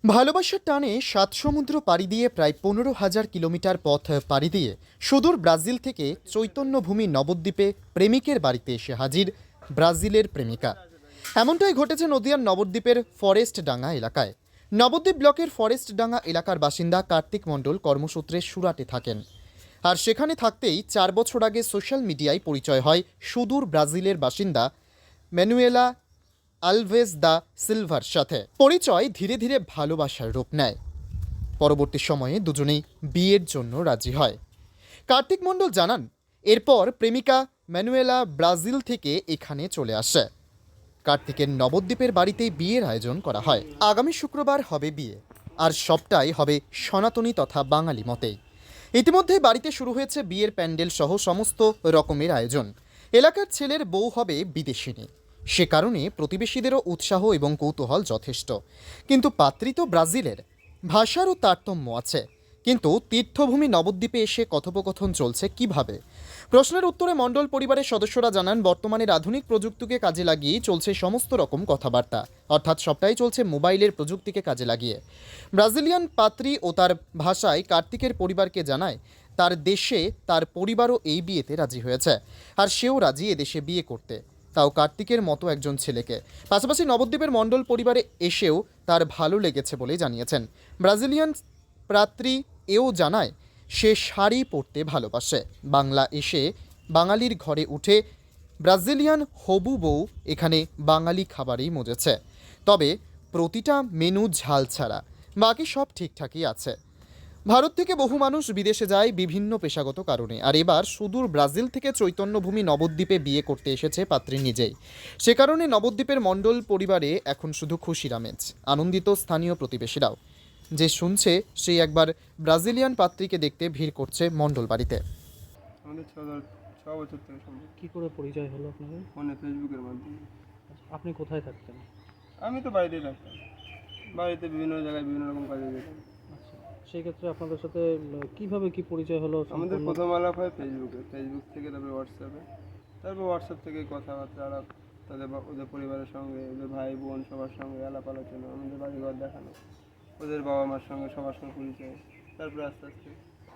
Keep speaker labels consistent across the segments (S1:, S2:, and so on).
S1: ভালোবাসার টানে সাত সমুদ্র পাড়ি দিয়ে প্রায় 15,000 কিলোমিটার পথ পাড়ি দিয়ে সুদূর ব্রাজিল থেকে চৈতন্যভূমি নবদ্বীপে প্রেমিকের বাড়িতে এসে হাজির ব্রাজিলের প্রেমিকা। এমনটাই ঘটেছে নদিয়ার নবদ্বীপের ফরেস্টডাঙ্গা এলাকায়। নবদ্বীপ ব্লকের ফরেস্টডাঙ্গা এলাকার বাসিন্দা কার্তিক মণ্ডল কর্মসূত্রে সুরাটে থাকেন। আর সেখানে থাকতেই 4 বছর আগে সোশ্যাল মিডিয়ায় পরিচয় হয় সুদূর ব্রাজিলের বাসিন্দা ম্যানুয়েলা আলভেজ দা সিলভার সাথে। পরিচয় ধীরে ধীরে ভালোবাসার রূপ নেয়। পরবর্তী সময়ে দুজনেই বিয়ের জন্য রাজি হয়। কার্তিক মণ্ডল জানান, এরপর প্রেমিকা ম্যানুয়েলা ব্রাজিল থেকে এখানে চলে আসে। কার্তিকের নবদ্বীপের বাড়িতেই বিয়ের আয়োজন করা হয়। আগামী শুক্রবার হবে বিয়ে, আর সবটাই হবে সনাতনী তথা বাঙালি মতেই। ইতিমধ্যে বাড়িতে শুরু হয়েছে বিয়ের প্যান্ডেল সহ সমস্ত রকমের আয়োজন। এলাকার ছেলের বউ হবে বিদেশিনী, সে কারণে প্রতিবেশীদেরও উৎসাহ এবং কৌতূহল যথেষ্ট। কিন্তু পাত্রী তো ব্রাজিলের, ভাষারও তারতম্য আছে। কিন্তু তীর্থভূমি নবদ্বীপে এসে কথোপকথন চলছে কিভাবে? প্রশ্নের উত্তরে মণ্ডল পরিবারের সদস্যরা জানান, বর্তমানের আধুনিক প্রযুক্তিকে কাজে লাগিয়েই চলছে সমস্ত রকম কথাবার্তা। অর্থাৎ সবটাই চলছে মোবাইলের প্রযুক্তিকে কাজে লাগিয়ে। ব্রাজিলিয়ান পাত্রী ও তার ভাষায় কার্তিকের পরিবারকে জানায় তার দেশে তার পরিবারও এই বিয়েতে রাজি হয়েছে, আর সেও রাজি এদেশে বিয়ে করতে, তাও কার্তিকের মতো একজন ছেলেকে। পাশাপাশি নবদ্বীপের মণ্ডল পরিবারে এসেও তার ভালো লেগেছে বলেই জানিয়েছেন। ব্রাজিলিয়ান পাত্রী এও জানায় সে শাড়ি পরতে ভালোবাসে। বাংলা এসে বাঙালির ঘরে উঠে ব্রাজিলিয়ান হবু বউ এখানে বাঙালি খাবারেই মজেছে, তবে প্রতিটা মেনু ঝাল ছাড়া, বাকি সব ঠিকঠাকই আছে। ভারত থেকে বহু মানুষ বিদেশে যায় বিভিন্ন পেশাগত কারণে, আর এবার সুদূর ব্রাজিল থেকে চৈতন্যভূমি নবদ্বীপে বিয়ে করতে এসেছে পাত্রী নিজেই। সে কারণে নবদ্বীপের মণ্ডল পরিবারে এখন শুধু খুশির আমেজ। আনন্দিত স্থানীয় প্রতিবেশীরাও, যে শুনছে সেই একবার ব্রাজিলিয়ান পাত্রীকে দেখতে ভিড় করছে মণ্ডল বাড়িতে।
S2: আমাদের ছ বছর থেকে সম্ভব।
S3: কি করে পরিচয় হলো আপনাদের?
S2: ফোনে ফেসবুকের মাধ্যমে।
S3: আপনি কোথায় থাকতেন?
S2: আমি তো বাড়িতেই থাকতাম, বাড়িতে বিভিন্ন জায়গায় বিভিন্ন রকম কাজে যেতাম।
S3: আচ্ছা, সেই ক্ষেত্রে আপনাদের সাথে কিভাবে কি পরিচয় হলো?
S2: আমাদের প্রথম আলাপ হয় ফেসবুকে, ফেসবুক থেকে তারপরে হোয়াটসঅ্যাপে, তারপর হোয়াটসঅ্যাপ থেকে কথাবার্তা আলাপ, ওদের পরিবারের সঙ্গে, ওদের ভাই বোন সবার সঙ্গে আলাপ আলোচনা, আমাদের বাড়িঘর দেখানো, ওদের বাবা মার সঙ্গে সবার সঙ্গে পরিচয়। তারপরে আস্তে আস্তে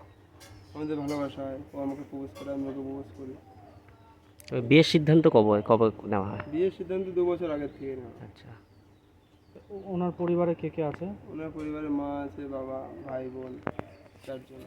S2: আমাদের ভালোবাসা হয়, ও আমাকে প্রপোজ করে, আমি ওকে প্রপোজ করি।
S4: বিয়ের সিদ্ধান্ত কবে কবে নেওয়া হয়?
S2: বিয়ের সিদ্ধান্ত 2 বছর আগের থেকে নেওয়া।
S4: আচ্ছা,
S3: ওনার পরিবারে কে কে আছে?
S2: ওনার পরিবারে মা আছে, বাবা, ভাই বোন, 4 জন।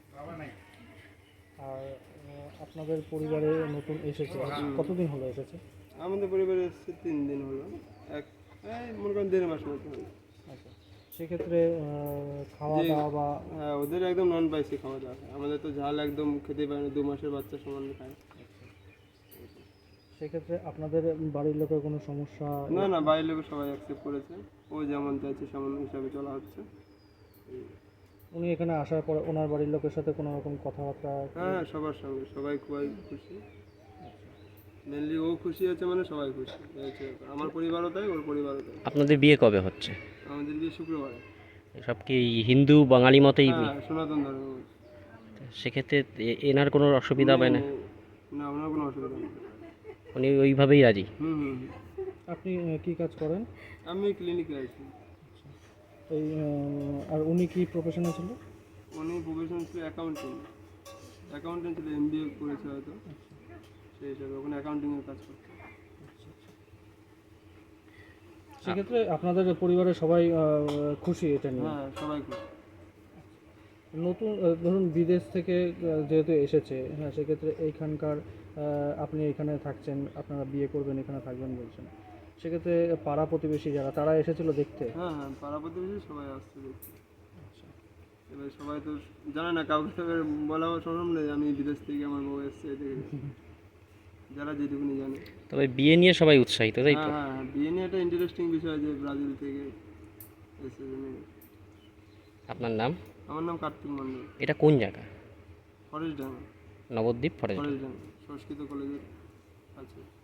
S3: আর আপনাদের পরিবারে নতুন এসেছে, কতদিন হলো এসেছে?
S2: আমাদের পরিবারে এসেছে 3 দিন হলো, মনে করেন 1.5 মাস মতো হলো।
S3: আচ্ছা, সেক্ষেত্রে খাওয়া দাওয়া বা
S2: হ্যাঁ, ওদের একদম নন স্পাইসি খাওয়া দাওয়া হয়, আমাদের তো ঝাল একদম খেতে পারে না, 2 মাসের বাচ্চা সমান খায়।
S3: সেক্ষেত্রে আপনাদের বাড়ির লোকের কোনো সমস্যা?
S2: না না, বাইরের লোক সবাই অ্যাকসেপ্ট করেছে, ও যেমন চাইছে সেমন হিসাবে চলা হচ্ছে।
S3: উনি এখানে আসার পর ওনার বাড়ির লোকের সাথে কোনো রকম কথাবার্তা?
S2: হ্যাঁ, সবার সঙ্গে সবাই খুবই খুশি। মেনলি ও খুশি আছে মানে সবাই খুশি হয়েছে, আমার পরিবারও তাই, ওর পরিবারও তাই।
S4: আপনাদের বিয়ে কবে হচ্ছে?
S2: আমাদের বিয়ে শুক্রবারে।
S4: সব কি হিন্দু বাঙালি মতেই?
S2: হ্যাঁ, সনাতন ধর্ম।
S4: সেক্ষেত্রে এনার কোনো অসুবিধা হবে না?
S2: না, ওনার কোনো অসুবিধা নেই।
S4: উনি ওইভাবেই রাজি?
S2: হুম।
S3: আপনি কি কাজ করেন?
S2: আমি ক্লিনিকে আছি।
S3: এই আর উনি কি প্রফেশনে ছিল?
S2: উনি প্রফেশন ছিল অ্যাকাউন্টেন্ট ছিল, MBA করেছে হয়তো, সেই হিসাবে ওখানে অ্যাকাউন্টিংয়ের কাজ করতো।
S3: সেক্ষেত্রে আপনাদের পরিবারের সবাই খুশি এটা নিয়ে?
S2: হ্যাঁ, সবাই খুশি।
S3: নতুন ধরুন বিদেশ থেকে যেহেতু এসেছে, হ্যাঁ, সেক্ষেত্রে এইখানকার আপনি এখানে থাকছেন, আপনারা বিয়ে করবেন, এখানে থাকবেন বলছেন, সেক্ষেত্রে পাড়া প্রতিবেশী যারা, তারা এসেছিল দেখতে?
S2: হ্যাঁ, পাড়া প্রতিবেশী সবাই আসছে দেখতে। এবার সবাই তো জানে না, কাউকে তো এবার বলা সম্ভব নেই আমি বিদেশ থেকে আমার বউ এসছে, এদিকে যারা যেটুকুনি জানে।
S4: তবে বিয়ে নিয়ে সবাই উৎসাহিত, তাই তো?
S2: হ্যাঁ, বিয়ে নিয়ে একটা ইন্টারেস্টিং বিষয় যে ব্রাজিল থেকে এসে।
S4: আপনার নাম?
S2: আমার নাম কার্তিক মণ্ডল।
S4: এটা কোন জায়গা?
S2: ফরেস্টডাঙ্গা।
S4: নবদ্বীপ ফরেস্ট?
S2: ফরেস্টডাঙ্গা সংস্কৃত কলেজের আছে।